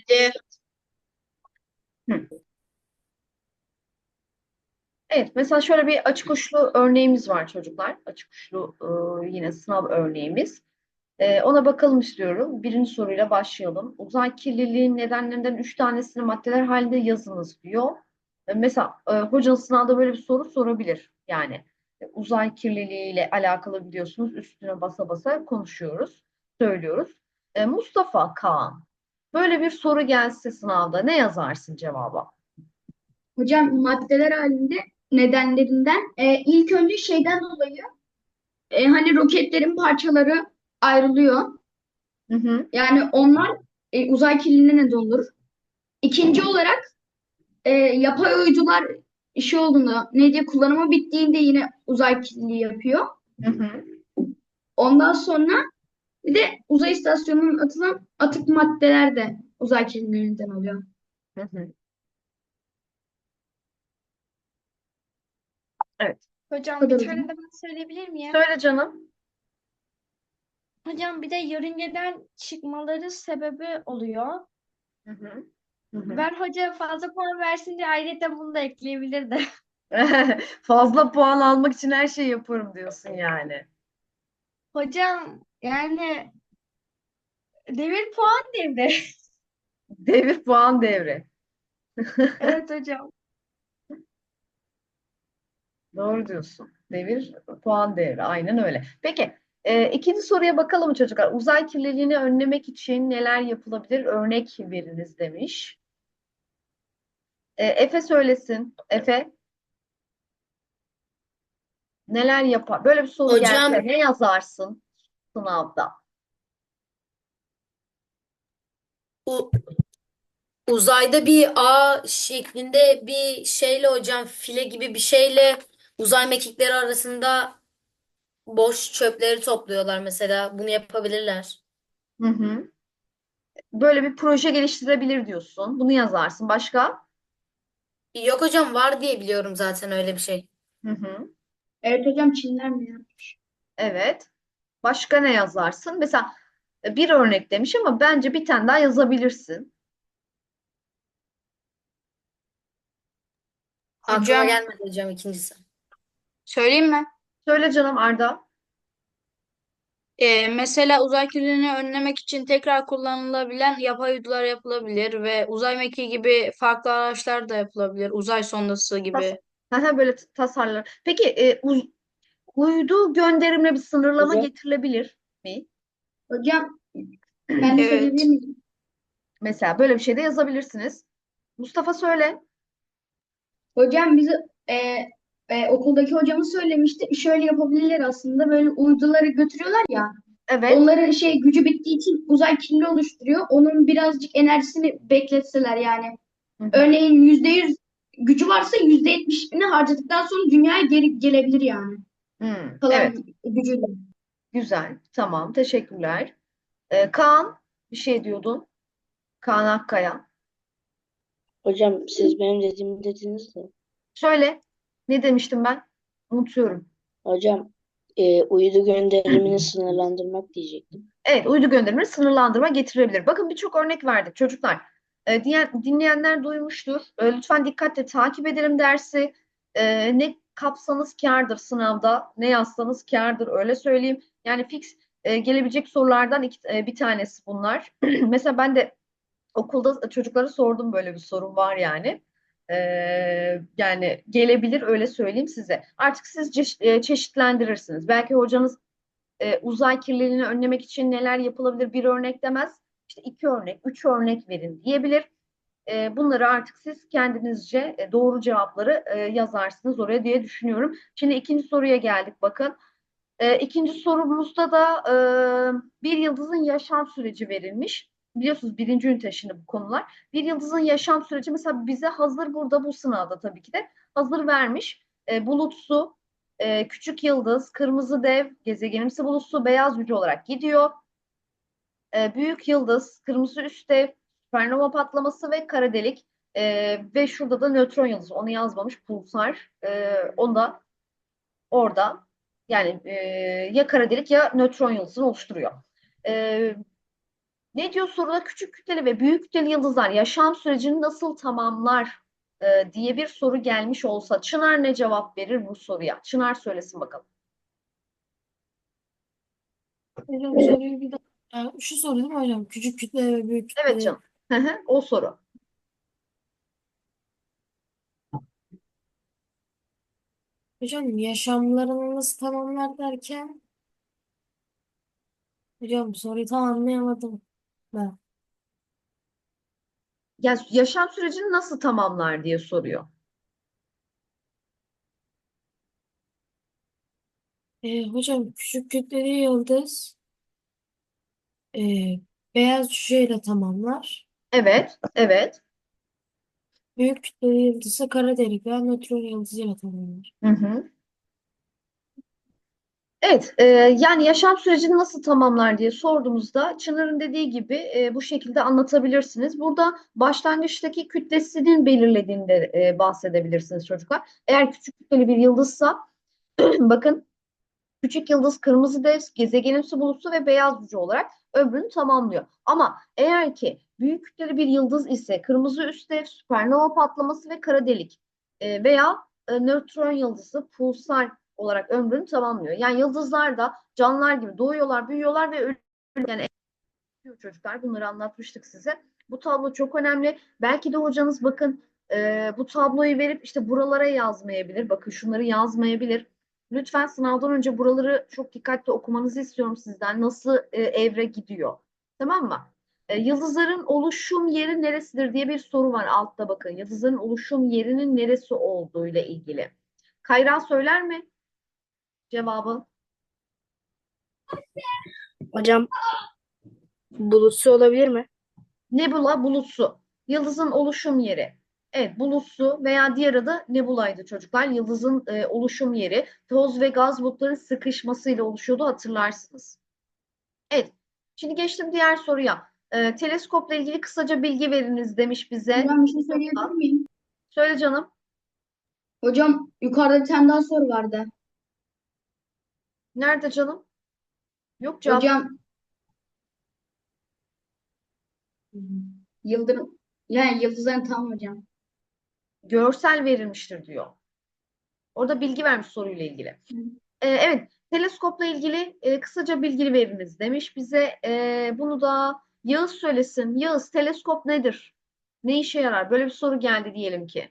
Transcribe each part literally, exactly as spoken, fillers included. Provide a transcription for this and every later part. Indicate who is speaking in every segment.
Speaker 1: E,
Speaker 2: Hı. Evet, mesela şöyle bir açık uçlu örneğimiz var çocuklar. Açık uçlu e, yine sınav örneğimiz. E, ona bakalım istiyorum. Birinci soruyla başlayalım. Uzay kirliliğinin nedenlerinden üç tanesini maddeler halinde yazınız diyor. E, mesela e, hocanız sınavda böyle bir soru sorabilir. Yani e, uzay kirliliğiyle alakalı biliyorsunuz üstüne basa basa konuşuyoruz, söylüyoruz. E, Mustafa Kaan, böyle bir soru gelse sınavda ne yazarsın cevaba?
Speaker 1: hocam maddeler halinde nedenlerinden e, ilk önce şeyden dolayı e, hani roketlerin parçaları ayrılıyor.
Speaker 2: Hı hı.
Speaker 1: Yani onlar e, uzay kirliliğine neden olur. İkinci olarak e, yapay uydular işi olduğunda ne diye kullanımı bittiğinde yine uzay kirliliği yapıyor.
Speaker 2: Hı hı.
Speaker 1: Ondan sonra bir de uzay istasyonunun atılan atık maddeler de uzay kirliliğine neden oluyor.
Speaker 2: Hı hı. Evet.
Speaker 1: Bu
Speaker 3: Hocam bir
Speaker 1: kadar
Speaker 3: tane
Speaker 1: hocam.
Speaker 3: de ben söyleyebilir miyim?
Speaker 2: Söyle canım.
Speaker 3: Hocam bir de yörüngeden çıkmaları sebebi oluyor.
Speaker 2: Hı hı. Hı hı.
Speaker 3: Ben hoca fazla puan versin diye ayrıca bunu da ekleyebilirdi.
Speaker 2: Fazla puan almak için her şeyi yaparım diyorsun yani.
Speaker 3: Hocam yani devir puan devri.
Speaker 2: Devir puan devri.
Speaker 3: Evet hocam.
Speaker 2: Doğru diyorsun. Devir puan devri. Aynen öyle. Peki, e, ikinci soruya bakalım çocuklar. Uzay kirliliğini önlemek için neler yapılabilir? Örnek veriniz demiş. E, Efe söylesin. Efe neler yapar? Böyle bir soru gelse
Speaker 4: Hocam
Speaker 2: ne yazarsın sınavda?
Speaker 4: u- uzayda bir ağ şeklinde bir şeyle hocam file gibi bir şeyle uzay mekikleri arasında boş çöpleri topluyorlar mesela. Bunu yapabilirler.
Speaker 2: Hı hı. Böyle bir proje geliştirebilir diyorsun. Bunu yazarsın. Başka?
Speaker 4: Yok hocam var diye biliyorum zaten öyle bir şey.
Speaker 2: Hı hı.
Speaker 1: Evet hocam Çinler mi ya?
Speaker 2: Evet. Başka ne yazarsın? Mesela e, bir örnek demiş ama bence bir tane daha yazabilirsin.
Speaker 4: Aklıma
Speaker 1: Hocam
Speaker 4: gelmedi hocam ikincisi.
Speaker 1: söyleyeyim mi?
Speaker 2: Söyle canım Arda.
Speaker 1: Ee, mesela uzay kirliliğini önlemek için tekrar kullanılabilen yapay uydular yapılabilir ve uzay mekiği gibi farklı araçlar da yapılabilir. Uzay sondası
Speaker 2: Tas
Speaker 1: gibi.
Speaker 2: Haha, böyle t- tasarlar. Peki e, uz- uydu gönderimine bir sınırlama
Speaker 1: Hocam.
Speaker 2: getirilebilir mi?
Speaker 1: Hocam ben de söyleyebilir
Speaker 2: Evet.
Speaker 1: miyim?
Speaker 2: Mesela böyle bir şey de yazabilirsiniz. Mustafa söyle.
Speaker 1: Hocam bizi e, e, okuldaki hocamız söylemişti. Şöyle yapabilirler aslında. Böyle uyduları götürüyorlar ya.
Speaker 2: Evet.
Speaker 1: Onların şey gücü bittiği için uzay kirli oluşturuyor. Onun birazcık enerjisini bekletseler yani.
Speaker 2: Hı hı.
Speaker 1: Örneğin yüzde yüz gücü varsa yüzde yetmişini harcadıktan sonra dünyaya geri gelebilir yani.
Speaker 2: Hmm,
Speaker 1: Kalan
Speaker 2: evet.
Speaker 1: gücüyle.
Speaker 2: Güzel. Tamam. Teşekkürler. E, Kaan bir şey diyordun. Kaan Akkaya.
Speaker 5: Hocam siz benim dediğimi dediniz de.
Speaker 2: Söyle. Ne demiştim ben? Unutuyorum.
Speaker 5: Hocam e, uydu gönderimini sınırlandırmak diyecektim.
Speaker 2: Evet, uydu gönderimini sınırlandırma getirebilir. Bakın birçok örnek verdik çocuklar. E, diyen, dinleyenler duymuştur. E, lütfen dikkatle takip edelim dersi. E, ne kapsanız kârdır sınavda, ne yazsanız kârdır öyle söyleyeyim. Yani fix e, gelebilecek sorulardan iki, e, bir tanesi bunlar. Mesela ben de okulda çocuklara sordum böyle bir sorun var yani. E, yani gelebilir öyle söyleyeyim size. Artık siz çeşit- e, çeşitlendirirsiniz. Belki hocanız e, uzay kirliliğini önlemek için neler yapılabilir bir örnek demez. İşte iki örnek, üç örnek verin diyebilir. E, bunları artık siz kendinizce e, doğru cevapları e, yazarsınız oraya diye düşünüyorum. Şimdi ikinci soruya geldik bakın. E, ikinci sorumuzda da e, bir yıldızın yaşam süreci verilmiş. Biliyorsunuz birinci ünite şimdi bu konular. Bir yıldızın yaşam süreci mesela bize hazır burada bu sınavda tabii ki de hazır vermiş. E, bulutsu, e, küçük yıldız, kırmızı dev, gezegenimsi bulutsu, beyaz cüce olarak gidiyor. E, büyük yıldız, kırmızı üst dev, süpernova patlaması ve kara delik. E, ve şurada da nötron yıldızı. Onu yazmamış pulsar. E, onu da orada yani e, ya kara delik ya nötron yıldızını oluşturuyor. E, Ne diyor soruda? Küçük kütleli ve büyük kütleli yıldızlar yaşam sürecini nasıl tamamlar e, diye bir soru gelmiş olsa Çınar ne cevap verir bu soruya? Çınar söylesin bakalım.
Speaker 3: Hocam soruyu bir daha. Şu soru değil mi hocam? Küçük kütle ve büyük
Speaker 2: Evet
Speaker 3: kütle.
Speaker 2: canım. Hı hı, o soru.
Speaker 3: Hocam yaşamlarını nasıl tamamlar derken hocam soruyu tam anlayamadım ben.
Speaker 2: Yani yaşam sürecini nasıl tamamlar diye soruyor.
Speaker 3: Ee, hocam küçük kütleli yıldız e, beyaz cüceyle tamamlar.
Speaker 2: Evet, evet.
Speaker 3: Büyük kütleli yıldız ise kara delik veya nötron yıldızıyla tamamlar.
Speaker 2: Hı hı. Evet, e, yani yaşam sürecini nasıl tamamlar diye sorduğumuzda Çınar'ın dediği gibi e, bu şekilde anlatabilirsiniz. Burada başlangıçtaki kütlesinin belirlediğinde e, bahsedebilirsiniz çocuklar. Eğer küçük kütleli bir yıldızsa bakın küçük yıldız kırmızı dev, gezegenimsi bulutsu ve beyaz cüce olarak ömrünü tamamlıyor. Ama eğer ki büyük kütleli bir yıldız ise kırmızı üst dev, süpernova patlaması ve kara delik e, veya e, nötron yıldızı pulsar olarak ömrünü tamamlıyor. Yani yıldızlar da canlılar gibi doğuyorlar, büyüyorlar ve ölüyor. Yani çocuklar bunları anlatmıştık size. Bu tablo çok önemli. Belki de hocanız bakın e, bu tabloyu verip işte buralara yazmayabilir. Bakın şunları yazmayabilir. Lütfen sınavdan önce buraları çok dikkatli okumanızı istiyorum sizden. Nasıl e, evre gidiyor? Tamam mı? E, yıldızların oluşum yeri neresidir diye bir soru var altta bakın. Yıldızların oluşum yerinin neresi olduğuyla ilgili. Kayra söyler mi cevabı?
Speaker 5: Hocam bulutsu olabilir mi?
Speaker 2: Nebula bulutsu. Yıldızın oluşum yeri. Evet, bulutsu veya diğer adı nebulaydı çocuklar. Yıldızın e, oluşum yeri. Toz ve gaz bulutların sıkışmasıyla oluşuyordu hatırlarsınız. Evet. Şimdi geçtim diğer soruya. E, teleskopla ilgili kısaca bilgi veriniz demiş bize.
Speaker 1: Hocam bir şey söyleyebilir miyim?
Speaker 2: Söyle canım.
Speaker 1: Hocam yukarıda bir tane daha soru vardı.
Speaker 2: Nerede canım? Yok cevap.
Speaker 1: Hocam yıldırım yani yıldızların tam hocam.
Speaker 2: Görsel verilmiştir diyor. Orada bilgi vermiş soruyla ilgili. Ee, evet, teleskopla ilgili e, kısaca bilgi veriniz demiş bize. Ee, bunu da Yağız söylesin. Yağız, teleskop nedir? Ne işe yarar? Böyle bir soru geldi diyelim ki.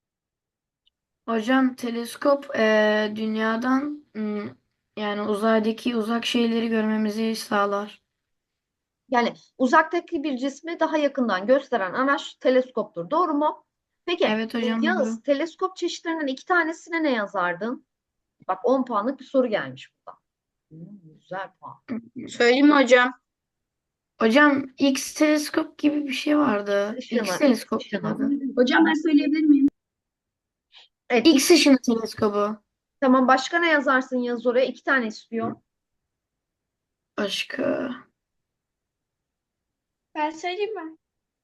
Speaker 6: Hocam teleskop eee, dünyadan ım, yani uzaydaki uzak şeyleri görmemizi sağlar.
Speaker 2: Yani uzaktaki bir cismi daha yakından gösteren araç teleskoptur. Doğru mu? Peki,
Speaker 6: Evet
Speaker 2: e,
Speaker 6: hocam doğru.
Speaker 2: Yağız, teleskop çeşitlerinden iki tanesine ne yazardın? Bak on puanlık bir soru gelmiş burada. Hmm, güzel puan.
Speaker 1: Söyleyeyim mi hocam?
Speaker 6: Hocam X teleskop gibi bir şey
Speaker 2: X
Speaker 6: vardı. X
Speaker 2: ışını, X
Speaker 6: teleskop
Speaker 2: ışını.
Speaker 6: adı.
Speaker 1: Hocam ben söyleyebilir miyim?
Speaker 2: Evet, X.
Speaker 6: X ışını teleskobu.
Speaker 2: Tamam, başka ne yazarsın Yağız oraya? İki tane istiyor.
Speaker 6: Başka.
Speaker 3: Ben söyleyeyim mi?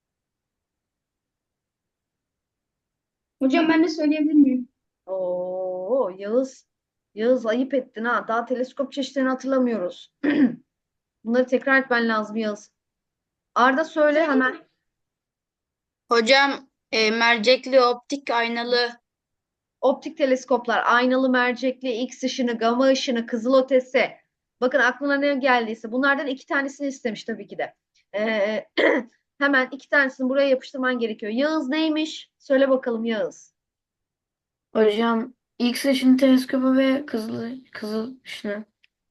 Speaker 1: Hocam ben de söyleyebilir miyim?
Speaker 2: Oo, Yağız. Yağız ayıp ettin ha. Daha teleskop çeşitlerini hatırlamıyoruz. Bunları tekrar etmen lazım Yağız. Arda söyle hemen.
Speaker 1: Hocam e, mercekli, optik, aynalı.
Speaker 2: Optik teleskoplar, aynalı mercekli, X ışını, gama ışını, kızılötesi. Bakın aklına ne geldiyse bunlardan iki tanesini istemiş tabii ki de. Ee, hemen iki tanesini buraya yapıştırman gerekiyor. Yağız neymiş? Söyle bakalım Yağız.
Speaker 6: Hocam X ışını teleskobu ve kızıl kızıl ışını.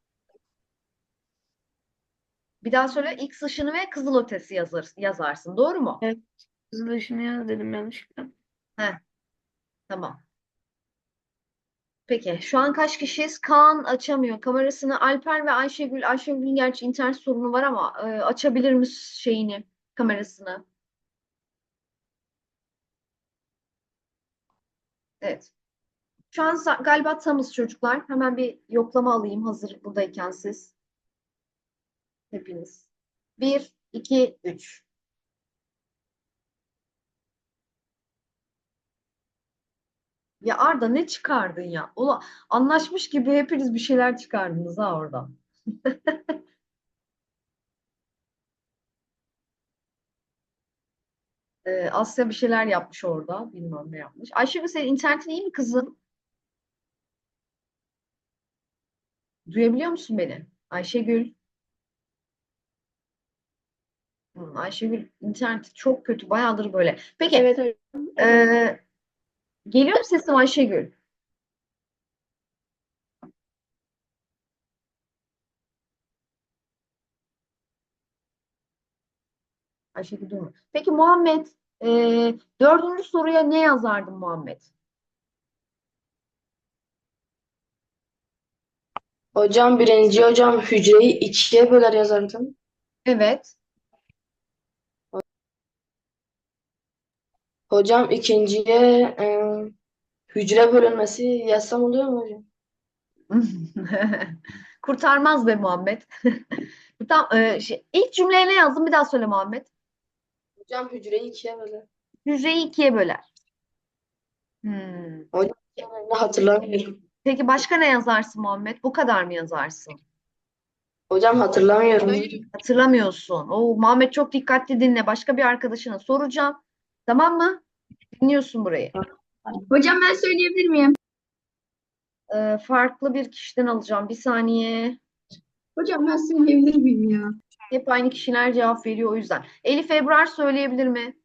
Speaker 2: Bir daha söyle. X ışını ve kızılötesi yazar, yazarsın. Doğru mu?
Speaker 6: Evet, kızıl ışını yaz dedim yanlışlıkla.
Speaker 2: Heh, tamam. Peki şu an kaç kişiyiz? Kaan açamıyor kamerasını. Alper ve Ayşegül. Ayşegül'ün gerçi internet sorunu var ama e, açabilir mi şeyini, kamerasını? Evet. Şu an sa- galiba tamız çocuklar. Hemen bir yoklama alayım hazır buradayken siz. Hepiniz. Bir, iki, üç. Ya Arda ne çıkardın ya? Ula, anlaşmış gibi hepiniz bir şeyler çıkardınız ha oradan. Ee, Asya bir şeyler yapmış orada. Bilmem ne yapmış. Ayşegül senin internetin iyi mi kızım? Duyabiliyor musun beni? Ayşegül. Hı, Ayşegül interneti çok kötü. Bayağıdır böyle. Peki.
Speaker 5: Evet hocam. Evet.
Speaker 2: ee, geliyor mu sesim Ayşegül? Ayşegül duymuyor. Peki Muhammed. ee, dördüncü soruya ne yazardın Muhammed?
Speaker 5: Hocam birinci hocam hücreyi ikiye böler yazardım.
Speaker 2: Evet.
Speaker 5: Hocam ikinciye e, hücre bölünmesi yazsam oluyor mu hocam?
Speaker 2: Kurtarmaz be Muhammed. Tam, ee, şey, ilk cümleye ne yazdın? Bir daha söyle Muhammed.
Speaker 5: Hocam hücreyi ikiye böler.
Speaker 2: Hücreyi ikiye böler. Hmm.
Speaker 5: Hocam ne hatırlamıyorum.
Speaker 2: Peki başka ne yazarsın Muhammed? Bu kadar mı yazarsın?
Speaker 5: Hocam hatırlamıyorum.
Speaker 2: Hatırlamıyorsun. Oo, Muhammed çok dikkatli dinle. Başka bir arkadaşına soracağım. Tamam mı? Dinliyorsun burayı.
Speaker 1: Hocam ben söyleyebilir miyim?
Speaker 2: Ee, farklı bir kişiden alacağım. Bir saniye.
Speaker 1: Hocam ben söyleyebilir miyim ya?
Speaker 2: Hep aynı kişiler cevap veriyor o yüzden. Elif Ebrar söyleyebilir mi?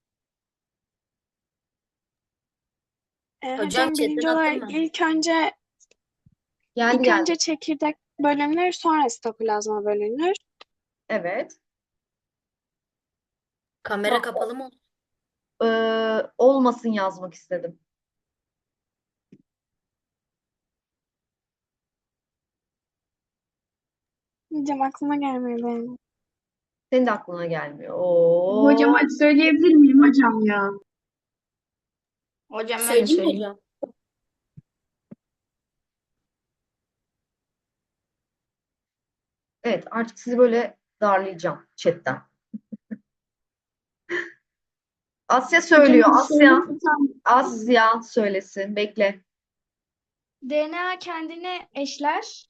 Speaker 7: E,
Speaker 4: Hocam
Speaker 7: hocam
Speaker 4: chatten
Speaker 7: birinci
Speaker 4: attın
Speaker 7: olarak
Speaker 4: mı?
Speaker 7: ilk önce
Speaker 2: Geldi
Speaker 7: ilk
Speaker 2: geldi.
Speaker 7: önce çekirdek bölünür, sonra sitoplazma bölünür.
Speaker 2: Evet.
Speaker 4: Kamera kapalı mı?
Speaker 2: Ee, olmasın yazmak istedim.
Speaker 7: Hocam aklıma gelmedi.
Speaker 2: Senin de aklına gelmiyor. Oo.
Speaker 1: Hocam hadi söyleyebilir miyim hocam ya? Hocam ben de
Speaker 4: Söyleyeyim mi
Speaker 1: söyleyeyim.
Speaker 4: hocam?
Speaker 2: Evet, artık sizi böyle darlayacağım chatten. Asya söylüyor.
Speaker 1: Hocam
Speaker 2: Asya.
Speaker 1: söyleyeyim mi?
Speaker 2: Asya söylesin. Bekle.
Speaker 8: D N A kendini eşler.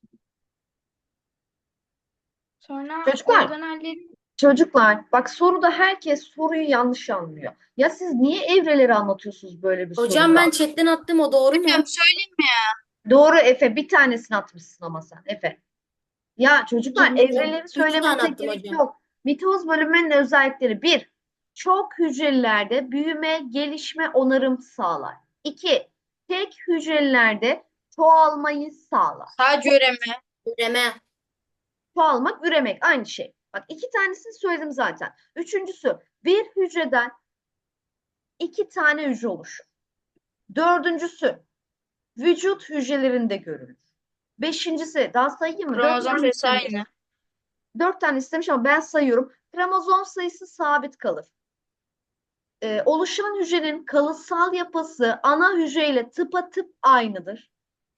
Speaker 8: Sonra
Speaker 2: Çocuklar,
Speaker 8: organelleri
Speaker 2: çocuklar. Bak soruda herkes soruyu yanlış anlıyor. Ya siz niye evreleri anlatıyorsunuz böyle bir
Speaker 4: Hocam
Speaker 2: soruda?
Speaker 4: ben chatten attım, o doğru mu?
Speaker 1: Hocam söyleyeyim mi?
Speaker 2: Doğru Efe. Bir tanesini atmışsın ama sen Efe. Ya çocuklar
Speaker 4: Hocam,
Speaker 2: evreleri
Speaker 4: üç tane
Speaker 2: söylemenize
Speaker 4: attım
Speaker 2: gerek
Speaker 4: hocam.
Speaker 2: yok. Mitoz bölünmenin özellikleri bir, çok hücrelerde büyüme, gelişme, onarım sağlar. İki, tek hücrelerde çoğalmayı sağlar.
Speaker 1: Sadece üreme.
Speaker 4: Üreme.
Speaker 2: Çoğalmak, üremek aynı şey. Bak iki tanesini söyledim zaten. Üçüncüsü bir hücreden iki tane hücre oluşur. Dördüncüsü vücut hücrelerinde görülür. Beşincisi daha sayayım mı? Dört
Speaker 1: Kromozom
Speaker 2: tane
Speaker 1: sayısı
Speaker 2: istemiş.
Speaker 1: aynı.
Speaker 2: Dört tane istemiş ama ben sayıyorum. Kromozom sayısı sabit kalır. Ee, oluşan hücrenin kalıtsal yapısı ana hücreyle tıpatıp aynıdır.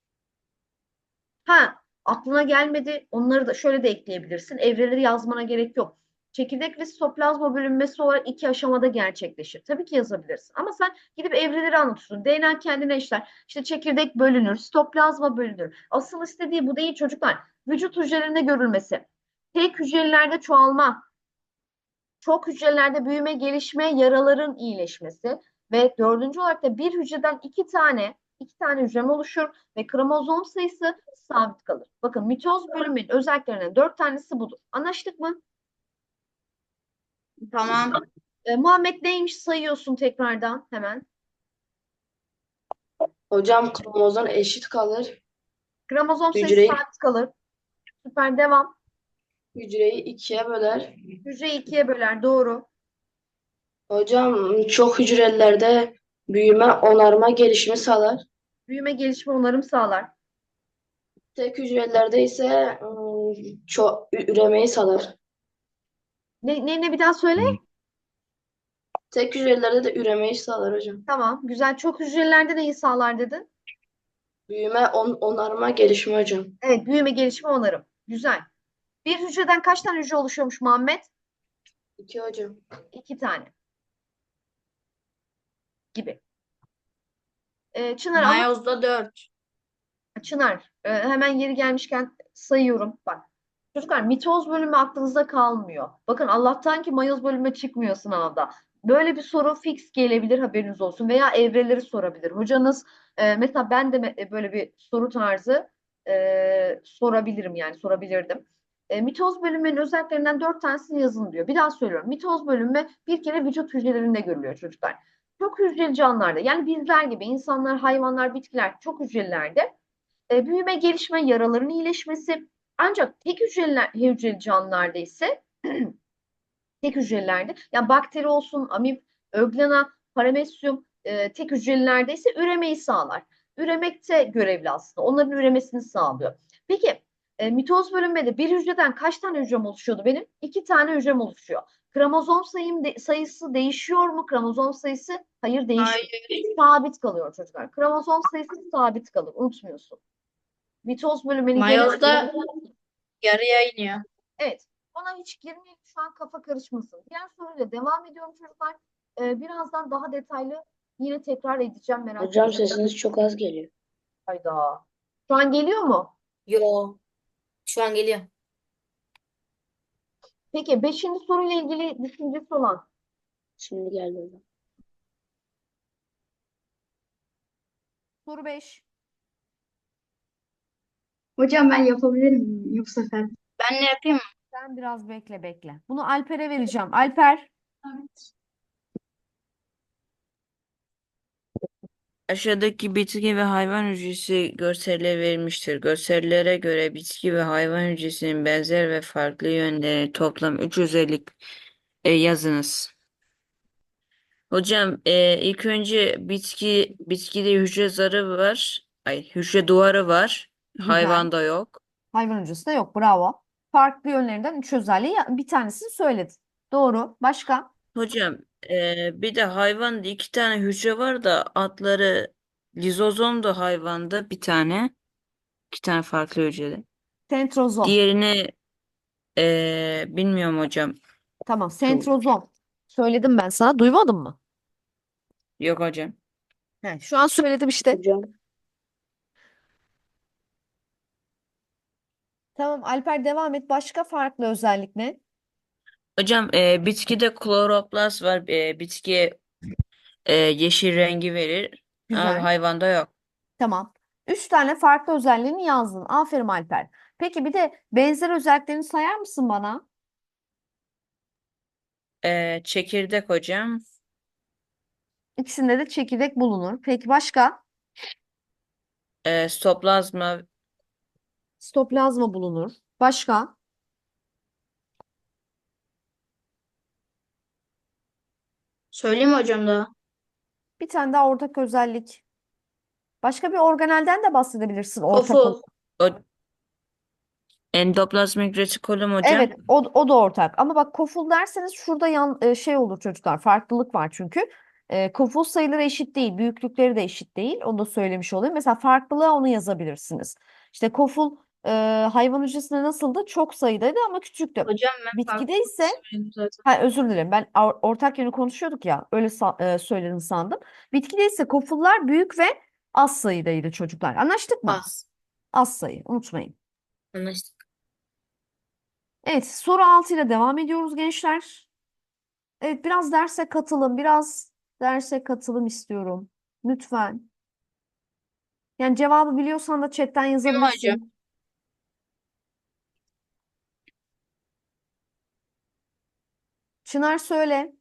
Speaker 2: Ha, aklına gelmedi. Onları da şöyle de ekleyebilirsin. Evreleri yazmana gerek yok. Çekirdek ve sitoplazma bölünmesi olarak iki aşamada gerçekleşir. Tabii ki yazabilirsin. Ama sen gidip evreleri anlatıyorsun. D N A kendine işler. İşte çekirdek bölünür, sitoplazma bölünür. Asıl istediği bu değil çocuklar. Vücut hücrelerinde görülmesi. Tek hücrelerde çoğalma, çok hücrelerde büyüme, gelişme, yaraların iyileşmesi ve dördüncü olarak da bir hücreden iki tane iki tane hücrem oluşur ve kromozom sayısı sabit kalır. Bakın mitoz bölümünün özelliklerinden dört tanesi budur. Anlaştık mı?
Speaker 1: Tamam.
Speaker 2: E, Muhammed neymiş sayıyorsun tekrardan hemen.
Speaker 5: Hocam kromozom eşit kalır.
Speaker 2: Kromozom sayısı
Speaker 5: Hücreyi,
Speaker 2: sabit kalır. Süper devam.
Speaker 5: hücreyi ikiye böler.
Speaker 2: Hücreyi ikiye böler doğru.
Speaker 5: Hocam çok hücrelerde büyüme, onarma, gelişimi sağlar.
Speaker 2: Büyüme, gelişme, onarım sağlar.
Speaker 5: Tek hücrelerde ise ıı, çok üremeyi sağlar.
Speaker 2: Ne, ne, ne bir daha söyle.
Speaker 5: Tek hücrelerde de üremeyi sağlar hocam.
Speaker 2: Tamam güzel. Çok hücrelerde neyi sağlar dedin?
Speaker 5: Büyüme, on, onarma, gelişme hocam.
Speaker 2: Evet büyüme, gelişme, onarım. Güzel. Bir hücreden kaç tane hücre oluşuyormuş Muhammed?
Speaker 5: İki hocam.
Speaker 2: İki tane gibi. Ee, Çınar ama
Speaker 1: Mayozda dört.
Speaker 2: Çınar e, hemen yeri gelmişken sayıyorum. Bak çocuklar mitoz bölümü aklınızda kalmıyor. Bakın Allah'tan ki mayoz bölümü çıkmıyor sınavda. Böyle bir soru fix gelebilir, haberiniz olsun, veya evreleri sorabilir. Hocanız e, mesela ben de me- böyle bir soru tarzı e, sorabilirim, yani sorabilirdim. E, mitoz bölünmenin özelliklerinden dört tanesini yazın diyor. Bir daha söylüyorum. Mitoz bölünme bir kere vücut hücrelerinde görülüyor çocuklar. Çok hücreli canlılarda, yani bizler gibi insanlar, hayvanlar, bitkiler çok hücrelilerde e, büyüme, gelişme, yaraların iyileşmesi, ancak tek hücreli, hücreli canlılarda ise tek hücrelilerde, yani bakteri olsun, amip, öglena, paramesyum, e, tek hücrelilerde ise üremeyi sağlar. Üremekte görevli aslında. Onların üremesini sağlıyor. Peki e, mitoz bölünmede bir hücreden kaç tane hücrem oluşuyordu benim? İki tane hücrem oluşuyor. Kromozom sayım de, sayısı değişiyor mu? Kromozom sayısı hayır, değişmiyor.
Speaker 1: Hayır.
Speaker 2: Sabit kalıyor çocuklar. Kromozom sayısı sabit kalır. Unutmuyorsun. Mitoz bölünmenin genel...
Speaker 1: Mayozda yarıya iniyor.
Speaker 2: Evet. Ona hiç girmeyelim, şu an kafa karışmasın. Diğer soruyla devam ediyorum çocuklar. Ee, birazdan daha detaylı yine tekrar edeceğim, merak
Speaker 5: Hocam
Speaker 2: etmeyin.
Speaker 5: sesiniz çok az geliyor.
Speaker 2: Hayda. Şu an geliyor mu?
Speaker 4: Yo. Şu an geliyor.
Speaker 2: Peki beşinci soruyla ilgili düşüncesi olan.
Speaker 5: Şimdi geldi hocam.
Speaker 2: Soru beş.
Speaker 8: Hocam ben yapabilir miyim bu sefer?
Speaker 1: Ben ne yapayım mı?
Speaker 2: Sen biraz bekle bekle. Bunu Alper'e vereceğim. Alper.
Speaker 8: Evet.
Speaker 6: Aşağıdaki bitki ve hayvan hücresi görselleri verilmiştir. Görsellere göre bitki ve hayvan hücresinin benzer ve farklı yönleri toplam üç özellik e, yazınız. Hocam e, ilk önce bitki bitkide hücre zarı var. Ay hücre duvarı var.
Speaker 2: Güzel.
Speaker 6: Hayvanda yok.
Speaker 2: Hayvan hücresi de yok. Bravo. Farklı yönlerinden üç özelliği, bir tanesini söyledin. Doğru. Başka?
Speaker 6: Hocam e, bir de hayvanda iki tane hücre var da adları lizozom da hayvanda bir tane. İki tane farklı hücrede.
Speaker 2: Sentrozom.
Speaker 6: Diğerini e, bilmiyorum hocam.
Speaker 2: Tamam.
Speaker 6: Şu,
Speaker 2: Sentrozom. Söyledim ben sana. Duymadın mı?
Speaker 6: yok hocam.
Speaker 2: He, şu an söyledim işte.
Speaker 5: Hocam
Speaker 2: Tamam Alper, devam et. Başka farklı özellik ne?
Speaker 6: Hocam e, bitkide kloroplast var. E, bitkiye e, yeşil rengi verir. Ama
Speaker 2: Güzel.
Speaker 6: hayvanda yok.
Speaker 2: Tamam. Üç tane farklı özelliğini yazdın. Aferin Alper. Peki bir de benzer özelliklerini sayar mısın bana?
Speaker 6: E, çekirdek hocam.
Speaker 2: İkisinde de çekirdek bulunur. Peki başka?
Speaker 6: E, stoplazma.
Speaker 2: Stoplazma bulunur. Başka?
Speaker 1: Söyleyeyim mi hocam daha?
Speaker 2: Bir tane daha ortak özellik. Başka bir organelden de bahsedebilirsin ortak olarak.
Speaker 1: Kofu.
Speaker 6: O, endoplazmik retikulum hocam.
Speaker 2: Evet, o, o da ortak. Ama bak, koful derseniz şurada yan, e, şey olur çocuklar. Farklılık var çünkü. E, koful sayıları eşit değil. Büyüklükleri de eşit değil. Onu da söylemiş olayım. Mesela farklılığa onu yazabilirsiniz. İşte koful e, hayvan hücresinde nasıldı? Çok sayıdaydı ama küçüktü.
Speaker 1: Hocam ben
Speaker 2: Bitkide
Speaker 1: farklı
Speaker 2: ise,
Speaker 1: söyledim zaten.
Speaker 2: ha, özür dilerim, ben or- ortak yönü konuşuyorduk ya, öyle sa- e, söyledin sandım. Bitkide ise kofullar büyük ve az sayıdaydı çocuklar. Anlaştık mı?
Speaker 4: Az.
Speaker 2: Az sayı, unutmayın.
Speaker 4: Anlaştık.
Speaker 2: Evet, soru altı ile devam ediyoruz gençler. Evet, biraz derse katılım, biraz derse katılım istiyorum. Lütfen. Yani cevabı biliyorsan da chatten
Speaker 1: Değil mi hocam?
Speaker 2: yazabilirsin. Çınar söyle.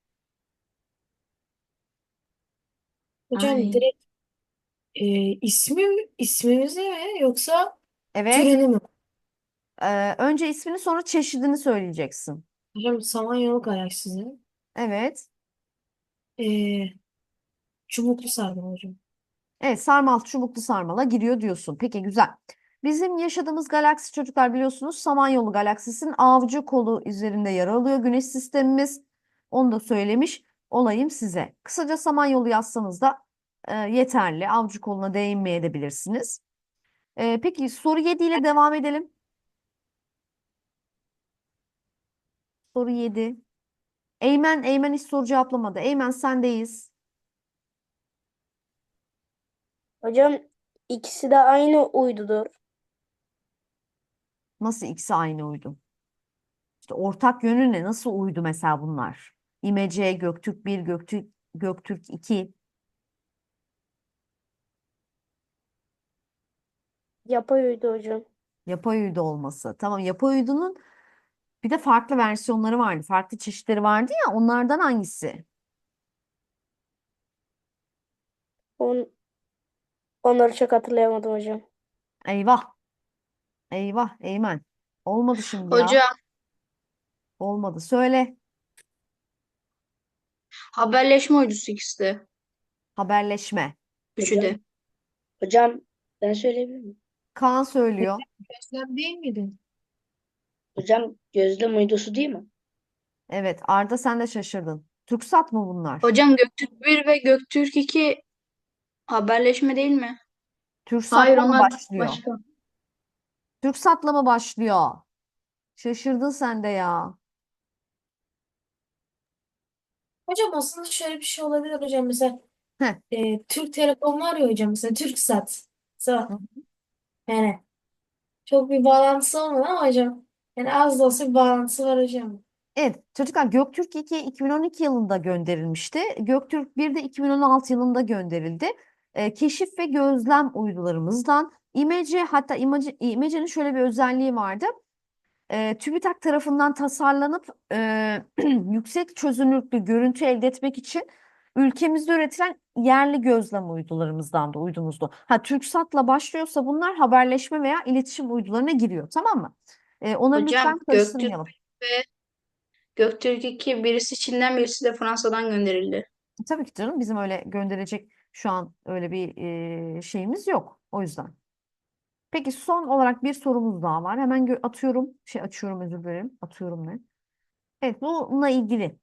Speaker 3: Hocam
Speaker 1: Ay.
Speaker 3: direkt e, ismi ismimizi mi yoksa
Speaker 2: Evet.
Speaker 3: türünü mü?
Speaker 2: Ee, önce ismini, sonra çeşidini söyleyeceksin.
Speaker 3: Hocam Samanyolu galaksisi.
Speaker 2: Evet.
Speaker 3: E, çubuklu sarmal hocam.
Speaker 2: Evet, sarmal, çubuklu sarmala giriyor diyorsun. Peki, güzel. Bizim yaşadığımız galaksi çocuklar, biliyorsunuz, Samanyolu galaksisinin avcı kolu üzerinde yer alıyor Güneş sistemimiz. Onu da söylemiş olayım size. Kısaca Samanyolu yazsanız da e, yeterli. Avcı koluna değinmeye de bilirsiniz. E, peki soru yedi ile devam edelim. Soru yedi. Eymen, Eymen hiç soru cevaplamadı. Eymen, sendeyiz.
Speaker 5: hocam ikisi de aynı uydudur.
Speaker 2: Nasıl ikisi aynı uydu? İşte ortak yönü ne? Nasıl uydu mesela bunlar? İmece, Göktürk bir, Göktürk, Göktürk iki.
Speaker 9: Yapay uydu hocam.
Speaker 2: Yapay uydu olması. Tamam, yapay uydunun bir de farklı versiyonları vardı. Farklı çeşitleri vardı ya, onlardan hangisi?
Speaker 9: On, onları çok hatırlayamadım hocam.
Speaker 2: Eyvah. Eyvah. Eymen. Olmadı şimdi ya.
Speaker 1: Hocam
Speaker 2: Olmadı. Söyle.
Speaker 1: haberleşme uydusu ikisi de.
Speaker 2: Haberleşme.
Speaker 1: Üçü de.
Speaker 5: Hocam ben söyleyebilir miyim?
Speaker 2: Kaan söylüyor.
Speaker 3: Gözlem değil miydi?
Speaker 5: Hocam gözlem uydusu değil mi?
Speaker 2: Evet. Arda sen de şaşırdın. TürkSat mı bunlar?
Speaker 1: Hocam Göktürk bir ve Göktürk iki haberleşme değil mi? Hayır,
Speaker 2: TürkSat'la mı
Speaker 1: onlar
Speaker 2: başlıyor?
Speaker 1: başka.
Speaker 2: TürkSat'la mı başlıyor? Şaşırdın sen de ya.
Speaker 3: Hocam aslında şöyle bir şey olabilir hocam. Mesela
Speaker 2: Heh.
Speaker 3: e, Türk Telekom var ya hocam. Mesela TürkSat. Mesela,
Speaker 2: Hı.
Speaker 3: yani çok bir bağlantısı olmadı ama hocam. Yani az da olsa bir bağlantısı var hocam.
Speaker 2: Evet, çocuklar Göktürk iki iki bin on iki yılında gönderilmişti. Göktürk bir de iki bin on altı yılında gönderildi. Ee, keşif ve gözlem uydularımızdan İmece, hatta İmece, İmece'nin şöyle bir özelliği vardı. Ee, TÜBİTAK tarafından tasarlanıp e, yüksek çözünürlüklü görüntü elde etmek için ülkemizde üretilen yerli gözlem uydularımızdan da uydumuzdu. Ha, TürkSat'la başlıyorsa bunlar haberleşme veya iletişim uydularına giriyor, tamam mı? Ee, onları
Speaker 1: Hocam
Speaker 2: lütfen
Speaker 1: Göktürk
Speaker 2: karıştırmayalım.
Speaker 1: ve Göktürk iki birisi Çin'den birisi de Fransa'dan gönderildi.
Speaker 2: Tabii ki canım, bizim öyle gönderecek şu an öyle bir e, şeyimiz yok. O yüzden. Peki son olarak bir sorumuz daha var. Hemen gö- atıyorum. Şey açıyorum, özür dilerim. Atıyorum ne? Evet, bununla ilgili.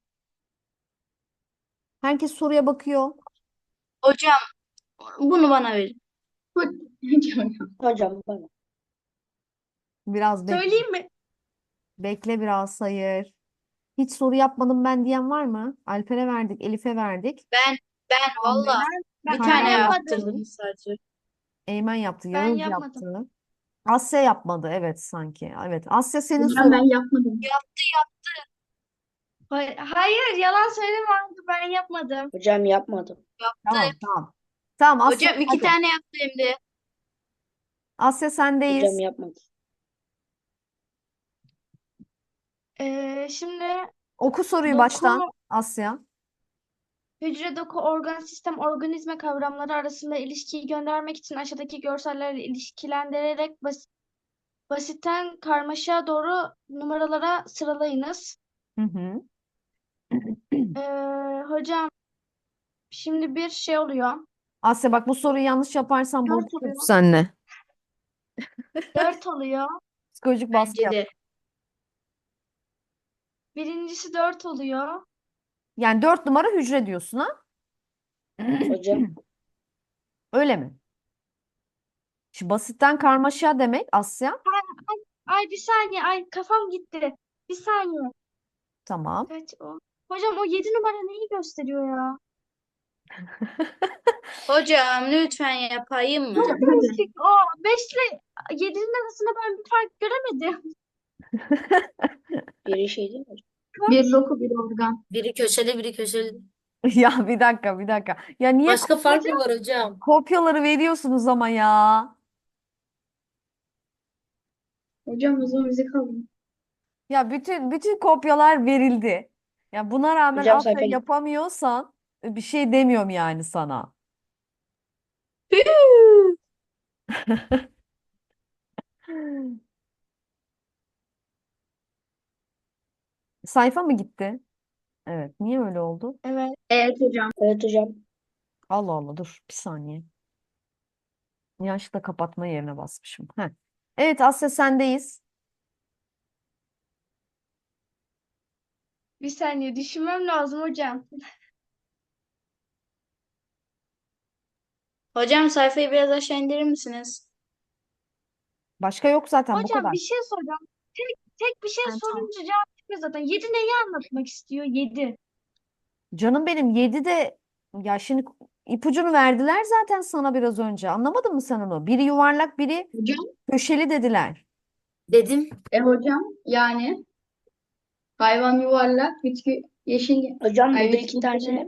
Speaker 2: Herkes soruya bakıyor.
Speaker 1: Hocam bunu bana verin. Hocam.
Speaker 5: Hocam bana.
Speaker 2: Biraz bekle.
Speaker 8: Söyleyeyim mi?
Speaker 2: Bekle biraz, hayır. Hiç soru yapmadım ben diyen var mı? Alper'e verdik, Elif'e verdik.
Speaker 1: Ben ben valla
Speaker 8: Ben,
Speaker 1: bir
Speaker 8: ben
Speaker 1: tane
Speaker 8: yapmadım.
Speaker 1: yaptırdım sadece.
Speaker 2: Eymen yaptı,
Speaker 8: Ben
Speaker 2: Yağız
Speaker 8: yapmadım.
Speaker 2: yaptı. Asya yapmadı, evet sanki. Evet, Asya senin
Speaker 5: Hocam
Speaker 2: sorun.
Speaker 5: ben yapmadım.
Speaker 8: Hay- Hayır, yalan söyleme. Ben yapmadım.
Speaker 5: Hocam yapmadım.
Speaker 2: Tamam, tamam. Tamam, Asya,
Speaker 1: Hocam iki
Speaker 2: hadi.
Speaker 1: tane yaptı hem de.
Speaker 2: Asya sendeyiz.
Speaker 5: Hocam yapmadım.
Speaker 8: Ee, şimdi
Speaker 2: Oku soruyu
Speaker 8: doku,
Speaker 2: baştan Asya.
Speaker 8: hücre, doku, organ, sistem, organizma kavramları arasında ilişkiyi göndermek için aşağıdaki görsellerle ilişkilendirerek bas basitten karmaşaya doğru numaralara sıralayınız.
Speaker 2: Hı hı.
Speaker 8: Ee, hocam şimdi bir şey oluyor.
Speaker 2: Asya bak, bu soruyu yanlış yaparsan
Speaker 8: Dört
Speaker 2: bozuşuruz
Speaker 8: oluyor.
Speaker 2: seninle.
Speaker 8: Dört oluyor.
Speaker 2: Psikolojik baskı
Speaker 1: Bence
Speaker 2: yap.
Speaker 1: de.
Speaker 8: Birincisi dört oluyor.
Speaker 2: Yani dört numara hücre diyorsun ha?
Speaker 5: Hocam.
Speaker 2: Öyle mi? Şimdi basitten karmaşa demek Asya.
Speaker 8: Ay bir saniye. Ay kafam gitti. Bir saniye.
Speaker 2: Tamam.
Speaker 8: Kaç o? Hocam o yedi numara neyi gösteriyor ya?
Speaker 1: Hocam lütfen yapayım mı?
Speaker 8: Çok karışık. O beş ile yedinin arasında ben bir fark göremedim.
Speaker 5: Biri şey değil mi hocam?
Speaker 1: Bir doku bir organ.
Speaker 4: Biri köşede, biri köşede.
Speaker 2: Ya bir dakika, bir dakika. Ya niye
Speaker 4: Başka fark mı var hocam?
Speaker 2: kopyaları veriyorsunuz ama ya?
Speaker 1: Hocam o zaman bize kalın.
Speaker 2: Ya bütün bütün kopyalar verildi. Ya buna rağmen
Speaker 5: Hocam
Speaker 2: Asya
Speaker 5: sayfa
Speaker 2: yapamıyorsan bir şey demiyorum yani sana. Sayfa mı gitti? Evet. Niye öyle oldu?
Speaker 8: Evet.
Speaker 1: Evet hocam.
Speaker 5: Evet hocam.
Speaker 2: Allah Allah, dur bir saniye. Yanlışlıkla kapatma yerine basmışım. Heh. Evet Asya sendeyiz.
Speaker 8: Bir saniye düşünmem lazım hocam.
Speaker 1: Hocam sayfayı biraz aşağı indirir misiniz?
Speaker 2: Başka yok zaten, bu
Speaker 8: Hocam
Speaker 2: kadar.
Speaker 8: bir şey soracağım. Tek, tek bir şey
Speaker 2: Yani tamam.
Speaker 8: sorunca cevap çıkıyor zaten. Yedi neyi anlatmak istiyor? Yedi.
Speaker 2: Canım benim, yedi de ya şimdi ipucunu verdiler zaten sana biraz önce. Anlamadın mı sen onu? Biri yuvarlak, biri
Speaker 1: Hocam.
Speaker 2: köşeli dediler.
Speaker 4: Dedim.
Speaker 1: E hocam yani hayvan yuvarlak, bitki Yeşil.
Speaker 5: Hocam
Speaker 1: Ay,
Speaker 5: burada
Speaker 1: evet,
Speaker 5: iki tane.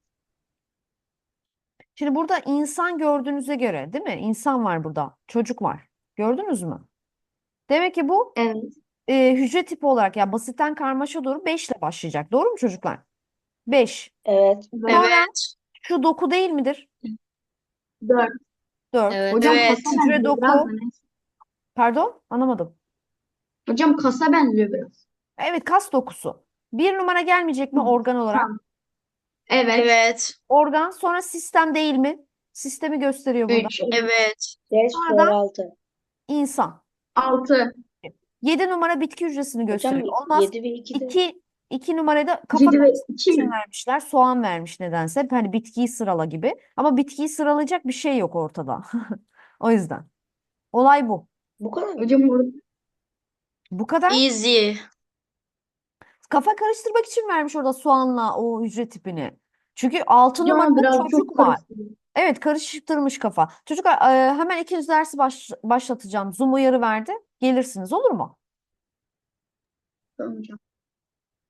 Speaker 2: Şimdi burada insan gördüğünüze göre, değil mi? İnsan var burada. Çocuk var. Gördünüz mü? Demek ki bu
Speaker 1: Evet.
Speaker 2: e, hücre tipi olarak ya basitten karmaşa doğru beş ile başlayacak. Doğru mu çocuklar? beş.
Speaker 5: Evet.
Speaker 2: Sonra
Speaker 1: Evet.
Speaker 2: şu doku değil midir?
Speaker 1: Dört.
Speaker 2: dört.
Speaker 4: Evet.
Speaker 1: Hocam
Speaker 2: Evet.
Speaker 1: kasa
Speaker 2: Hücre
Speaker 1: benziyor
Speaker 2: doku.
Speaker 1: biraz da neyse.
Speaker 2: Pardon, anlamadım.
Speaker 1: Hocam kasa benziyor biraz.
Speaker 2: Evet, kas dokusu. Bir numara gelmeyecek mi organ olarak?
Speaker 1: Tamam. Evet. Evet.
Speaker 2: Organ, sonra sistem değil mi? Sistemi gösteriyor burada.
Speaker 1: Üç. Evet.
Speaker 5: beş,
Speaker 2: Sonra da
Speaker 5: altı.
Speaker 2: insan.
Speaker 1: Altı.
Speaker 2: yedi numara bitki hücresini
Speaker 5: Hocam
Speaker 2: gösteriyor. Olmaz.
Speaker 5: yedi ve iki de.
Speaker 2: iki iki numarayı da kafa
Speaker 1: Yedi ve
Speaker 2: karıştırmak
Speaker 1: iki.
Speaker 2: için vermişler. Soğan vermiş nedense. Hep hani bitkiyi sırala gibi. Ama bitkiyi sıralayacak bir şey yok ortada. O yüzden. Olay bu.
Speaker 5: Bu kadar mı?
Speaker 1: Hocam orada.
Speaker 2: Bu kadar.
Speaker 1: Easy.
Speaker 2: Kafa karıştırmak için vermiş orada soğanla o hücre tipini. Çünkü altı
Speaker 1: Hocam
Speaker 2: numarada
Speaker 1: biraz
Speaker 2: çocuk
Speaker 1: çok
Speaker 2: var.
Speaker 1: karıştırıyor.
Speaker 2: Evet, karıştırmış kafa. Çocuklar e, hemen ikinci dersi baş- başlatacağım. Zoom uyarı verdi. Gelirsiniz, olur mu?
Speaker 1: Tamam hocam.